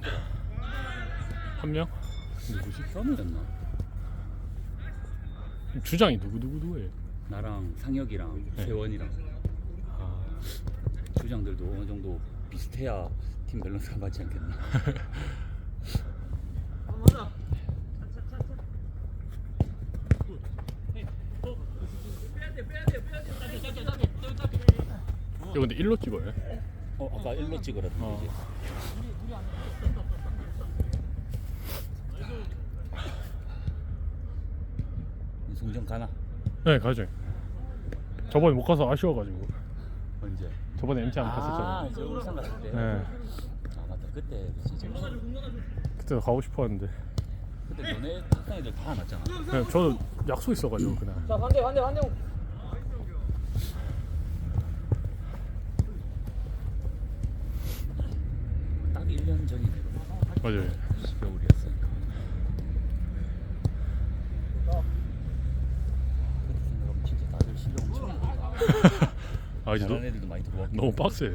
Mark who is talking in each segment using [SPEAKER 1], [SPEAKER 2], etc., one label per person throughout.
[SPEAKER 1] 한 명?
[SPEAKER 2] 누구지? 현우였나?
[SPEAKER 1] 주장이 누구예요?
[SPEAKER 2] 나랑 상혁이랑
[SPEAKER 1] 네.
[SPEAKER 2] 세원이랑
[SPEAKER 1] 아,
[SPEAKER 2] 주장들도 어느 정도 비슷해야 팀 밸런스가 맞지 않겠나?
[SPEAKER 1] 이거 근데 1로 찍어요?
[SPEAKER 2] 아까 1로 찍으라던데
[SPEAKER 1] 어.
[SPEAKER 2] 이제. 송정 가나?
[SPEAKER 1] 네, 가죠. 저번에 못 가서 아쉬워가지고.
[SPEAKER 2] 언제?
[SPEAKER 1] 저번에 MT 안 갔었잖아요.
[SPEAKER 2] 저 울산 갔을 때?
[SPEAKER 1] 네,
[SPEAKER 2] 아 맞다 그때 진짜
[SPEAKER 1] 그때도 가고 싶었는데.
[SPEAKER 2] 그때 너네 학생 애들 다 안 왔잖아.
[SPEAKER 1] 네, 저도 약속 있어가지고 그날.
[SPEAKER 3] 자 반대.
[SPEAKER 2] 딱 1년 전이네.
[SPEAKER 1] 맞아요.
[SPEAKER 2] 겨울이었으니까. 그때 생각하면 진짜 다들 실력 엄청 많다.
[SPEAKER 1] 아 이제
[SPEAKER 2] 잘하는 애들도 많이 들어왔고.
[SPEAKER 1] 너무 빡세.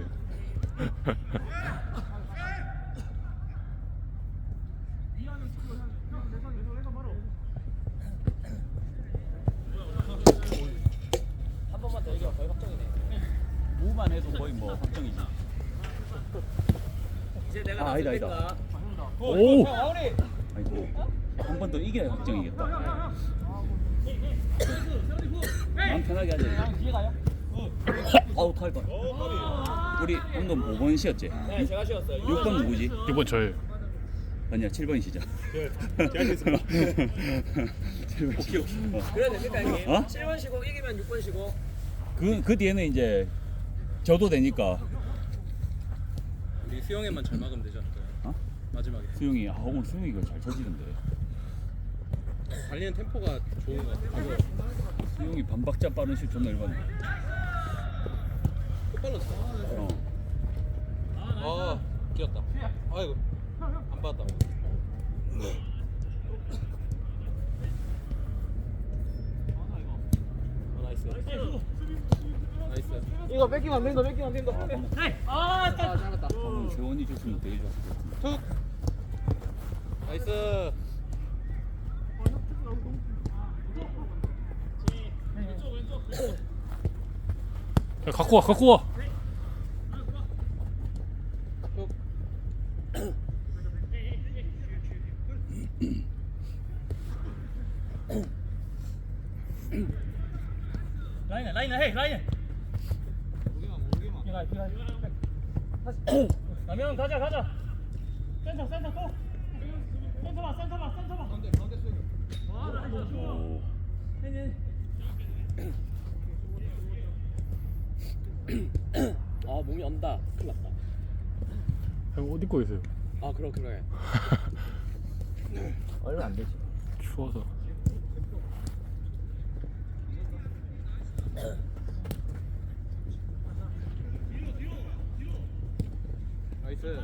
[SPEAKER 3] 한 번만 더 이겨 거의 확정이네.
[SPEAKER 2] 무만 해도 거의 뭐 확정이지.
[SPEAKER 3] 이제 내가
[SPEAKER 2] 아니다.
[SPEAKER 3] 나서니까.
[SPEAKER 1] 오!
[SPEAKER 3] 마무리.
[SPEAKER 2] 아이고 한 번 더 이겨야 확정이겠다. 마음 편하게 하자.
[SPEAKER 3] 뒤에 가요?
[SPEAKER 2] 아우 탈 뻔. 우리 방금 5번 시였지?
[SPEAKER 3] 네 제가 쉬었어요.
[SPEAKER 2] 6번 누구지?
[SPEAKER 1] 이번 저예요.
[SPEAKER 2] 아니야 7번 시자.
[SPEAKER 4] 제가 했습니다.
[SPEAKER 2] 7번 시.
[SPEAKER 3] 그래야 됩니까 형님?
[SPEAKER 2] 어?
[SPEAKER 3] 7번 쉬고 이기면 6번 쉬고.
[SPEAKER 2] 그 뒤에는 이제 져도 되니까.
[SPEAKER 4] 우리 수영에만 잘 막으면 되지 않을까요?
[SPEAKER 2] 어?
[SPEAKER 4] 마지막에
[SPEAKER 2] 수용이 오늘 수용이가 잘 쳐지는데.
[SPEAKER 4] 달리는 템포가 좋은 것 같아요.
[SPEAKER 2] 수용이 반박자 빠른 슛 존나 열받네.
[SPEAKER 4] 끝발랐어.
[SPEAKER 2] 어.
[SPEAKER 4] 아, 끼었다. 아이고, 안 받았다. 나이스. 나이스.
[SPEAKER 3] 이거 뺏기면 안 된다. 아 잘했다.
[SPEAKER 2] 방금 재원이 줬으면 되게 좋았을 것 같은데.
[SPEAKER 4] 툭. 나이스.
[SPEAKER 1] 야, 갖고 와.
[SPEAKER 4] 툭.
[SPEAKER 3] 라인에 해 라인에. 라면 가자. 센터 고. 센터 봐.
[SPEAKER 2] 오.
[SPEAKER 3] 아 몸이 온다. 큰일 났다.
[SPEAKER 1] 형 옷 입고 계세요.
[SPEAKER 3] 아 그래. 얼마 안 되지.
[SPEAKER 1] 추워서.
[SPEAKER 4] 나이스.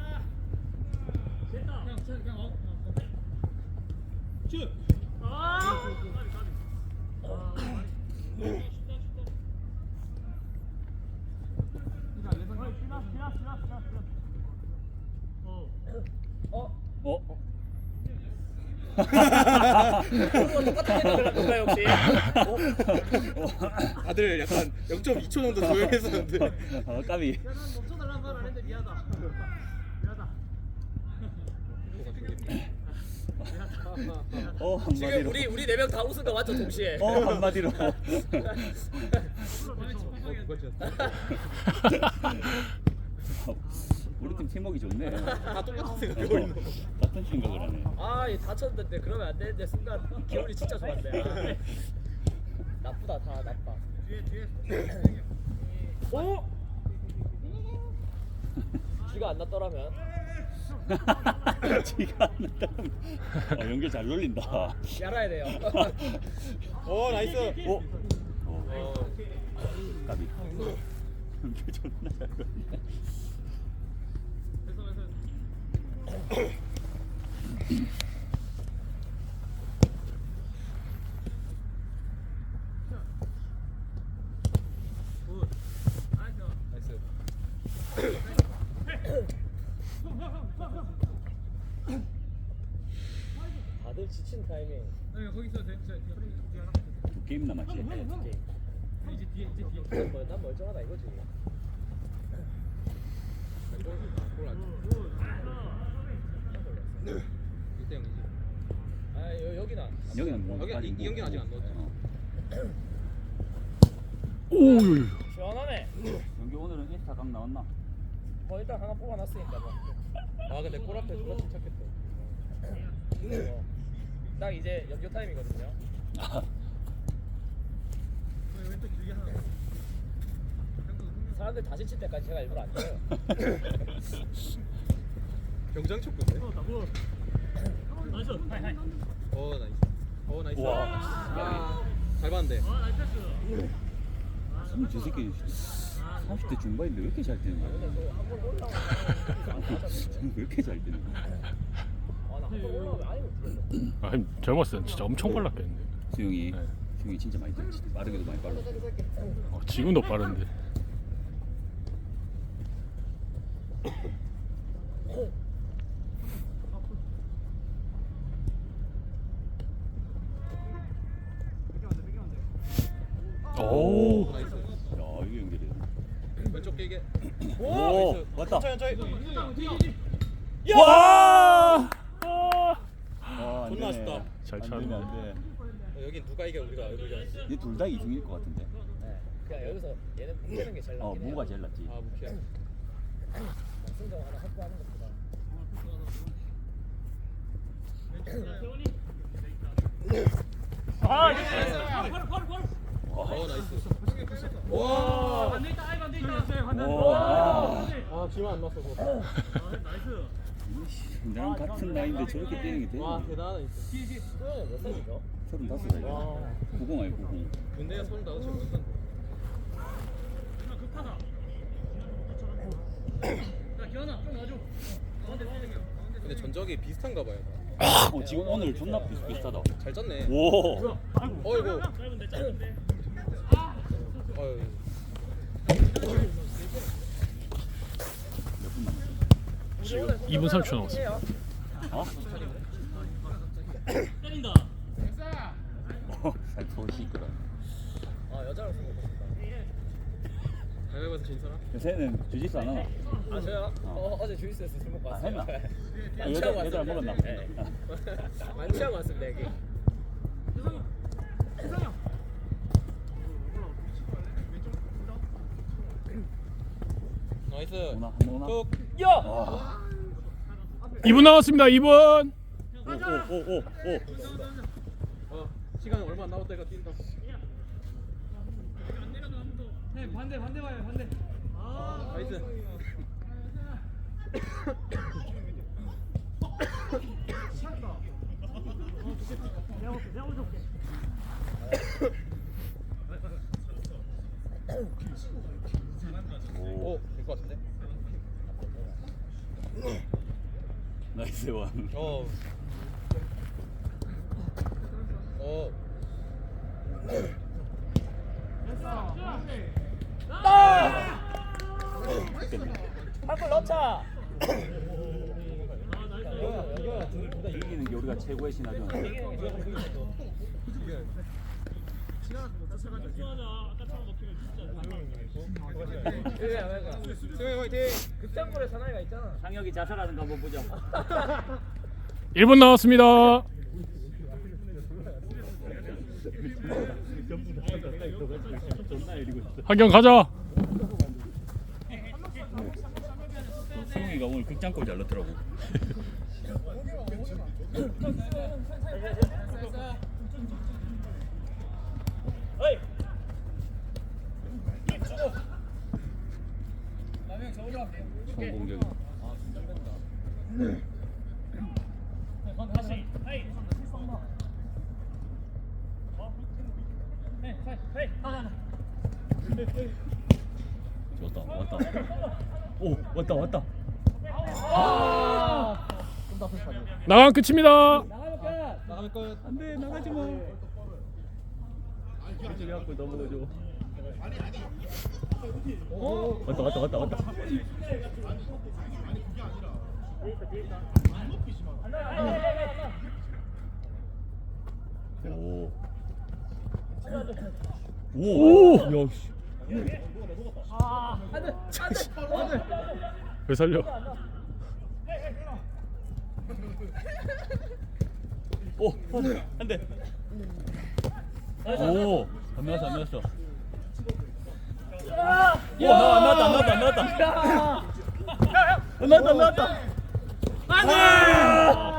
[SPEAKER 2] 어?
[SPEAKER 3] 똑같은 생각을 할 건가요 혹시?
[SPEAKER 4] 다들 약간 0.2초 정도 조용했었는데.
[SPEAKER 2] 까비.
[SPEAKER 3] 멈춰달라는 말 안 했는데 미안하다. 지금
[SPEAKER 2] 한마디로.
[SPEAKER 3] 우리 4명 다 웃은 거 맞죠 동시에?
[SPEAKER 2] 한마디로. 우리 팀 팀워크 좋네.
[SPEAKER 4] 다 똑같은 생각하고 있는 거.
[SPEAKER 2] 같은 생각을 하네.
[SPEAKER 3] 아, 얘 다쳤는데 그러면 안 되는데 순간 기분이 진짜 좋았네. 아. 나쁘다, 다 나빠. 오! 쥐가 안 났더라면
[SPEAKER 2] 지가 안 났다. 연결 잘 놀린다.
[SPEAKER 3] 알아야 돼요.
[SPEAKER 4] 나이스.
[SPEAKER 2] 까비. 연결 존나 잘 놀린다.
[SPEAKER 4] 나이스.
[SPEAKER 3] 다들 지친 타이밍.
[SPEAKER 2] 두 게임 남았지.
[SPEAKER 3] 난 멀쩡하다 이거지. 여기나.
[SPEAKER 2] 여기는 뭐
[SPEAKER 4] 여기 이 경기는 아직 안 넣었지.
[SPEAKER 1] 오.
[SPEAKER 3] 시원하네.
[SPEAKER 2] 여기 오늘은 인스타 강 나왔나?
[SPEAKER 3] 뭐 일단 하나 뽑아놨으니까 뭐.
[SPEAKER 4] 아 근데 골 앞에 졸라 침착했다.
[SPEAKER 3] 딱 이제 연교 타임이거든요. 사람들 다시 칠 때까지 제가 일부러 안 쳐요.
[SPEAKER 4] 병장 쳤군데. 나이스. 나이스.
[SPEAKER 2] 우와.
[SPEAKER 4] 잘 봤는데.
[SPEAKER 2] 저 새끼 30대 중반인데 왜 이렇게 잘 뛰는 거야? 왜 이렇게 잘 뛰는 거야?
[SPEAKER 3] 나한번 올라오면 아예 못하겠어.
[SPEAKER 1] 아니 젊었을 땐 진짜 엄청 빨랐겠는데.
[SPEAKER 2] 수영이
[SPEAKER 1] 네.
[SPEAKER 2] 수영이 진짜 많이 뛰었지. 빠르게도 많이 빨랐어.
[SPEAKER 1] 지금도 빠른데. 오.
[SPEAKER 4] 나이스.
[SPEAKER 2] 야 이게 연결이.
[SPEAKER 4] 왼쪽 길게.
[SPEAKER 2] 오
[SPEAKER 4] 나이스.
[SPEAKER 2] 왔다.
[SPEAKER 4] 천천히.
[SPEAKER 1] 와.
[SPEAKER 2] 아,
[SPEAKER 4] 존나 아쉽다.
[SPEAKER 1] 잘
[SPEAKER 2] 안
[SPEAKER 1] 차네.
[SPEAKER 2] 되네 안 돼.
[SPEAKER 4] 여긴 누가 이겨 우리가 이기자.
[SPEAKER 2] 얘둘 다 2승일 것 같은데.
[SPEAKER 3] 네. 그냥 여기서 얘는 뭉개는 게 제일 낫긴 해요.
[SPEAKER 2] 무가 제일 낫지.
[SPEAKER 4] 아 무키야.
[SPEAKER 3] 승정 하나 확보하는 것보다.
[SPEAKER 4] 나이스.
[SPEAKER 2] 오.
[SPEAKER 4] 아 기만 안 났어서.
[SPEAKER 2] 나랑 같은 나이인데 저렇게 뛰는 게 되는
[SPEAKER 4] 와
[SPEAKER 2] 거야.
[SPEAKER 4] 대단하다 진짜.
[SPEAKER 3] 수영이 몇 살이죠?
[SPEAKER 2] 35살이야.
[SPEAKER 3] 와.
[SPEAKER 2] 90 아니 90.
[SPEAKER 4] 군대가 35 지금 못한데. 근데 전적이 비슷한가 봐요.
[SPEAKER 2] 지금 오늘 존나 비슷하다.
[SPEAKER 4] 잘 짰네.
[SPEAKER 2] 오.
[SPEAKER 4] 어이구. 어이.
[SPEAKER 2] 몇분 남았어?
[SPEAKER 1] 지금 2분 30초 남았어.
[SPEAKER 2] 어? 살포 시끄러.
[SPEAKER 3] 여자랑 승부 보겠다.
[SPEAKER 4] 가위바위보에서 진 사람?
[SPEAKER 2] 요새는 주짓수 안 하나?
[SPEAKER 3] 아 저요? 어제 주이스에서 술 먹고 왔어요.
[SPEAKER 2] 했나?
[SPEAKER 3] 만취하고
[SPEAKER 2] 여자
[SPEAKER 3] 왔습니다.
[SPEAKER 2] 먹었나?
[SPEAKER 3] 네. 만취하고 왔습니다 여기.
[SPEAKER 4] 나이스.
[SPEAKER 2] 뭐나 뭐나.
[SPEAKER 4] 툭.
[SPEAKER 3] 야!
[SPEAKER 2] 와.
[SPEAKER 1] 2분 남았습니다. 2분.
[SPEAKER 2] 오오오오.
[SPEAKER 4] 시간 얼마 안 남았다니까 뛴다.
[SPEAKER 3] 반대 봐요 반대.
[SPEAKER 4] 나이스. 오, 될 것 같은데?
[SPEAKER 2] 나이스 원.
[SPEAKER 4] 어.
[SPEAKER 3] 한골 넣자.
[SPEAKER 2] 이기는 게 우리가 최고의 신화죠.
[SPEAKER 4] 수영 화이팅!
[SPEAKER 3] 극장골에 사나이가 있잖아.
[SPEAKER 2] 상혁이 자살하는 거 한번 보자.
[SPEAKER 1] 1분 남았습니다. 한경 가자.
[SPEAKER 2] 수영이가 오늘 극장골 잘 넣더라고. 성공격. 좋다. 왔다. 오, 왔다.
[SPEAKER 1] 나간 끝입니다.
[SPEAKER 4] 나가면 끝.
[SPEAKER 2] 안돼 나가지 마. 저기 갖고 넘어가줘. 왔다. 오. 야, 씨.
[SPEAKER 1] 왜 살려?
[SPEAKER 2] 오, 한 대. 오, 안 나왔어, 안 나왔어. 오, 안 나왔다, 안 나왔다, 안 나왔다. 안 나왔다, 안 나왔다.
[SPEAKER 3] 안돼.